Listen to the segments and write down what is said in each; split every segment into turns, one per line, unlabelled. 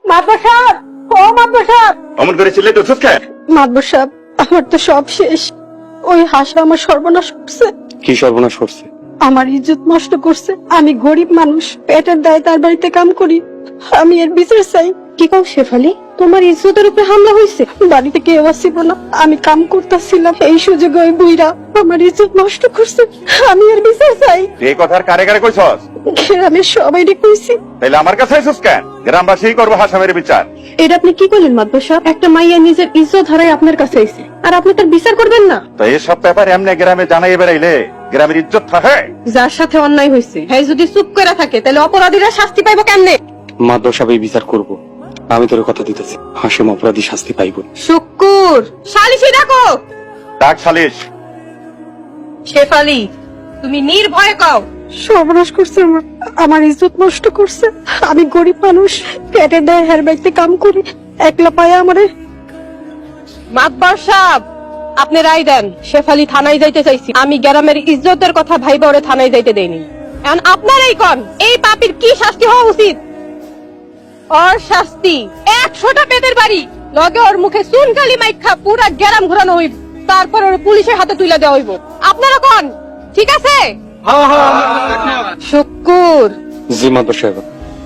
মাতবর সাহেব, ও মাতবর সাহেব।
অমন করে চিল্লাই তো চুপ খায়।
মাতবর সাহেব, আমার তো সব শেষ। ওই হাসা আমার সর্বনাশ করছে।
কি সর্বনাশ করছে?
আমার ইজ্জত নষ্ট করছে। আমি গরিব মানুষ, পেটের দায়ে তার বাড়িতে কাম করি। আমি এর বিচার চাই। কি কও শেফালি, তোমার ইজ্জতের উপরে হামলা হয়েছে? বাড়িতে কেউ আসছিল না, আমি কাম করতেছিলাম। এই সুযোগে ওই বুইরা আমার ইজ্জত নষ্ট করছে। আমি এর বিচার চাই।
এই কথার কারে কারে কইছস?
আমি সবাই কইছি।
তাইলে আমার কাছে আইছস কেন? গ্রামবাসী করবো হাসামের বিচার।
এটা আপনি কি করলেন মাতবর সাহেব? একটা মাইয়া নিজের ইজ্জত হারাই আপনার কাছে আইছে, আর আপনি তার বিচার করবেন না?
তো এইসব ব্যাপার এমনি গ্রামে জানাই বেড়াইলে গ্রামের ইজ্জত থাকে?
যার সাথে অন্যায় হয়েছে হ্যাঁ যদি চুপ করে থাকে, তাহলে অপরাধীরা শাস্তি পাইবো কেমনে?
মাদ্রাসা সবাই বিচার করব। আমি তোর কথা দিতেছি, হাসিম অপরাধী শাস্তি পাইব।
শুক্কুর, সালিশি ডাকো।
ডাক সালিশ।
শেফালি, তুমি নির্ভয়ে কও। সর্বনাশ করছে আমার ইজ্জত নষ্ট করছে। আমি গরিব মানুষ, পেটের দায়ে হের বাড়িতে কাম করি, একলা পায়ে আমারে। মাতবার সাহেব, আপনি রায় দেন। শেফালি থানায় যাইতে চাইছি। আমি গ্রামের ইজ্জতের কথা ভাইবা ওরে থানায় যাইতে দেইনি। এখন আপনারাই কোন এই পাপীর কি শাস্তি হওয়া উচিত? ওর শাস্তি 100টা পেটের বাড়ি, লগে ওর মুখে চুনকালি মাইখা পুরা গ্রাম ঘোরানো হইব, তারপর ওর পুলিশের হাতে তুলে দেওয়া হইব। আপনারা কোন ঠিক আছে? শুক্কুর।
জি মাদ্রাসা সাহেব।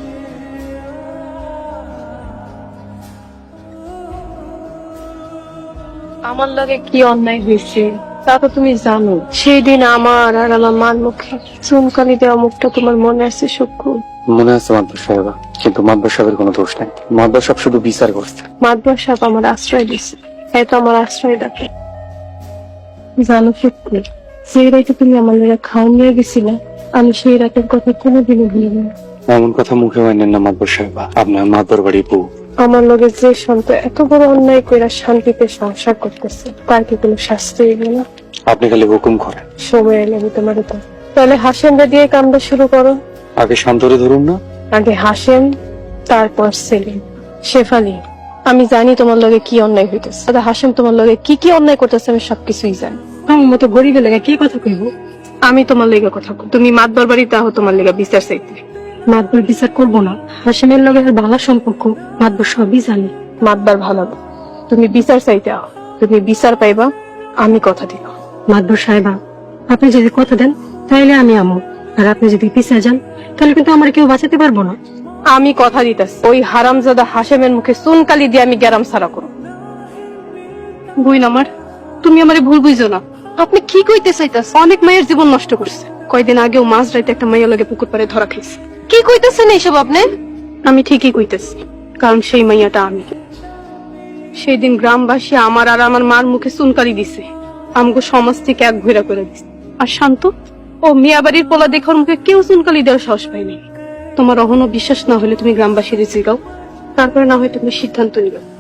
আমার লগে কি অন্যায় হয়েছে তা তো তুমি জানো। সেই দিন আমার আর আমার মার মুখে চুনকালি দেওয়া মুখটা তোমার মনে আছে শুক্কুর?
মনে আছে মাদ্রাসা সাহেব, কিন্তু মাদ্রাসা সাহেবের কোনো দোষ নাই। মাদ্রাসা সাহেব শুধু বিচার করছে।
মাতবর সাহেব আমার আশ্রয় দিচ্ছে, এত আমার আশ্রয় ডাকে। জানো শুক্কুর, সেই রাতে তুমি আমার লগে খাওয়া নিয়ে গেছিলে, আমি সেই রাতের কথা কোনোদিনও ভুলি না।
এমন কথা মুখে আনেন না মাদ্রাসা সাহেব, আপনার মাদর বাড়ি বউ।
আমার লগে যে সন্তান এত বড় অন্যায় কইরা শান্তিতে সংসার করতেছে, তার কি কোনো শাস্তি হইল না?
আপনি খালি হুকুম করেন।
সময় এলে আমি তোমার তো। তাহলে হাসেমরা দিয়ে কামটা শুরু করো।
আগে শান্তরে ধরুন না।
আগে হাসেম, তারপর সেলিম। শেফালি, আমি জানি তোমার লগে কি অন্যায় হইতেছে। দাদা হাসেম তোমার লগে কি কি অন্যায় করতেছে আমি সবকিছুই জানি। আমার মতো গরিবের লেগে কি কথা কইব? আমি তোমার লেগে কথা কই। তুমি মাতবার বাড়িতে আহ তোমার লেগে বিচার চাইতে। মাতবার বিচার করবো না। হাসেমের লগে আর ভালো সম্পর্ক মাতবার সবই জানি। মাতবার ভালো, তুমি বিচার চাইতে আহ। তুমি বিচার পাইবা, আমি কথা দিব। মাতবার সাহেবা, আপনি যদি কথা দেন তাইলে আমি আমো, আর আপনি যদি পিছিয়ে যান তাহলে কিন্তু আমার কেউ বাঁচাতে পারবো না। আমি কথা দিতেছি, ওই হারামজাদা হাসেমের মুখে চুনকালি দিয়ে আমি গ্যারাম সারা করব। বুইন আমার, তুমি আমারে ভুল বুঝো না। আপনি কি কইতে চাইতাছেন? অনেক মায়ের জীবন নষ্ট করছে। কয়দিন আগেও মাঝ রাইতে একটা মাইয়া লগে পুকুর পাড়ে ধরা খাইছে। কি কইতেছেন এইসব আপনি? আমি ঠিকই কইতেছি, কারণ সেই মাইয়াটা আমি। সেই দিন গ্রামবাসী আমার আর আমার মার মুখে চুনকালি দিছে, আমগো সমাজ থেকে এক ঘুরা করে দিছে। আর শান্ত, ও মিয়া বাড়ির পোলা দেখার মুখে কেউ চুনকালি দেওয়ার সাহস পায়নি। তোমার অহনো বিশ্বাস না হলে তুমি গ্রামবাসীর জিগাও, তারপরে না হয় তুমি সিদ্ধান্ত নিবে।